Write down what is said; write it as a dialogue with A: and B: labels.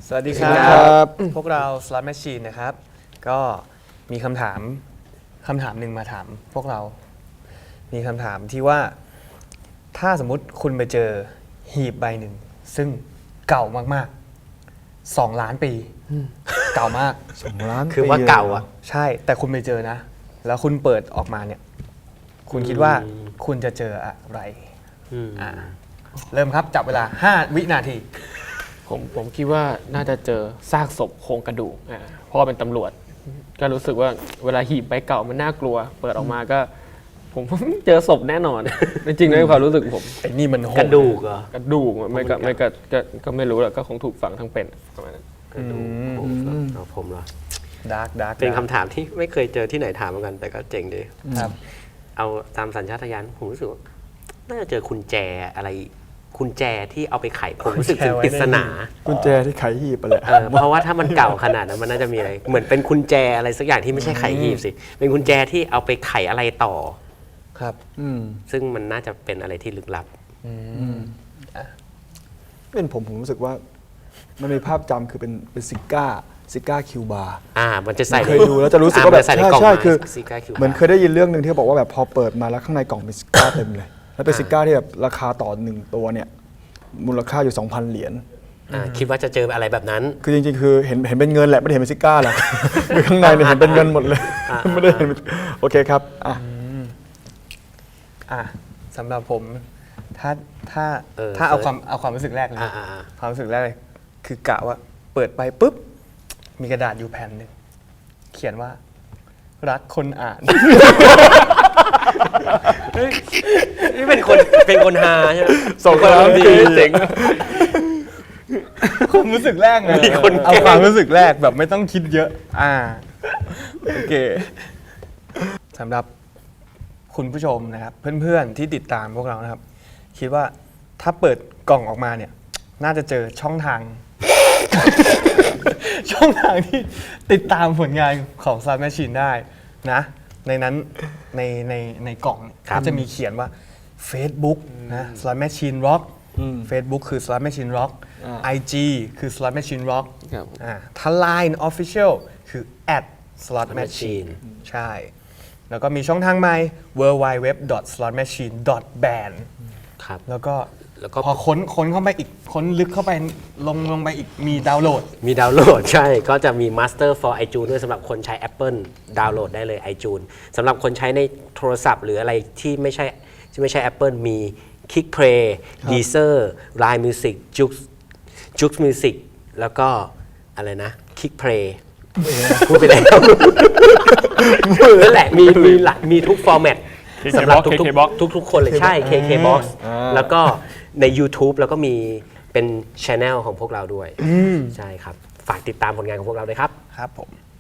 A: สวัสดีครับพวกเรา Slot Machine นะครับก็มีคำถามหนึ่งมาถามพวกเรามีคำถามที่ว่าถ้าสมมุติคุณไปเจอหีบใบหนึ่งซึ่งเก่ามากๆ2 ล้านปีเก่ามาก
B: 2 ล้าน
C: คือว่าเก่าอ่ะ
A: ใช่แต่คุณไปเจอนะแล้วคุณเปิดออกมาเนี่ยคุณคิดว่าคุณจะเจออะไรเริ่มครับจับเวลา5 วินาที
D: ผมคิดว่าน่าจะเจอซากศพโครงกระดูกเพราะว่าเป็นตำรวจก็รู้สึกว่าเวลาหีบใบเก่ามันน่ากลัวเปิดออกมาก็ผมเจอศพแน่นอนจริงๆในความรู้สึกผม
A: ไอ้นี่มัน
C: กระดูกเหรอก
D: ระดูกก็ไม่รู้แหละก็คงถูกฝังทั้งเป็นประมาณนั้น
C: กระดูกผมเหรอ
A: ดาร์ก
C: เป็นคำถามที่ไม่เคยเจอที่ไหนถามเหมือนกันแต่ก็เจ๋งดี
A: ครับ
C: เอาตามสัญชาตญาณผมรู้สึกว่าน่าจะเจอกุญแจอะไรกุญแจที่เอาไปไขผมรู้สึกถึงปริศนา
B: กุญแจที่ไขหีบไปเลย
C: เพราะว่าถ้ามันเก่าขนาดนั้นมันน่าจะมีอะไรเหมือนเป็นกุญแจอะไรสักอย่างที่ไม่ใช่ไขหีบสิเป็นกุญแจที่เอาไปไขอะไรต่อ
A: ครับ
C: ซึ่งมันน่าจะเป็นอะไรที่ลึกลับ
B: เป็นผมรู้สึกว่ามันมีภาพจำคือเป็นซิก้าคิวบาร์
C: มันจะใส่
B: เคยดูแล้วจะรู้สึกว่าแบบใช่คือเหมือนเคยได้ยินเรื่องนึงที่บอกว่าแบบพอเปิดมาแล้วข้างในกล่องมีซิก้าเต็มเลยแล้วเป็นซิก้าที่แบบราคาต่อ1 ตัวเนี่ยมูลค่าอยู่ 2,000 เหรียญ
C: คิดว่าจะเจออะไรแบบนั้น
B: คือจริงๆคือเห็นเป็นเงินแหละไม่ได้เห็นเป็นซิก้าหรอกคือข้างในเนี่ยเห็นเป็นเงินหมดเลยไม่ได้เห็นโอเคครับ
A: สำหรับผมถ้าเอาความรู้สึกแรกเลยความรู้สึกแรกเลยคือกะว่าเปิดไปปุ๊บมีกระดาษอยู่แผ่นหนึ่งเขียนว่ารักคนอ่าน
C: นี่เป็นคนฮาใช่ไหม
B: ส่งความดี
C: เจ๋ง
A: ความรู้สึกแรกไงเอาความรู้สึกแรกแบบไม่ต้องคิดเยอะโอเคสำหรับคุณผู้ชมนะครับเพื่อนๆที่ติดตามพวกเรานะครับคิดว่าถ้าเปิดกล่องออกมาเนี่ยน่าจะเจอช่องทางที่ติดตามผลงานของ Slot Machine ได้นะในนั้นในกล่องก็จะมีเขียนว่า Facebook นะ Slot Machine Rock Facebook คือ Slot Machine Rock IG คือ Slot Machine Rock ถ้า Line Official คือ @Slot Machine ใช่แล้วก็มีช่องทางใหม่ www.slotmachine.band
C: ครับ
A: แล้วก็พอค้นเข้าไปอีกค้นลึกเข้าไปลงไปอีกมีดาวน์โหลด
C: ใช่ก็จะมี Master for iTunes ด้วยสำหรับคนใช้ Apple ดาวน์โหลดได้เลย iTunes สำหรับคนใช้ในโทรศัพท์หรืออะไรที่ไม่ใช่ Apple มี Kickplay Deezer Line Music Joox Music แล้วก็อะไรนะ Kickplay พูดไปแล้วนั่นแหละมีทุกฟอร์แมตสำหรับทุกคนเลยใช่ KKBOX แล้วก็ใน YouTube แล้วก็มีเป็น Channel ของพวกเราด้วยใช่ครับฝากติดตามผลงานของพวกเราด้วยครับ
A: ครับผม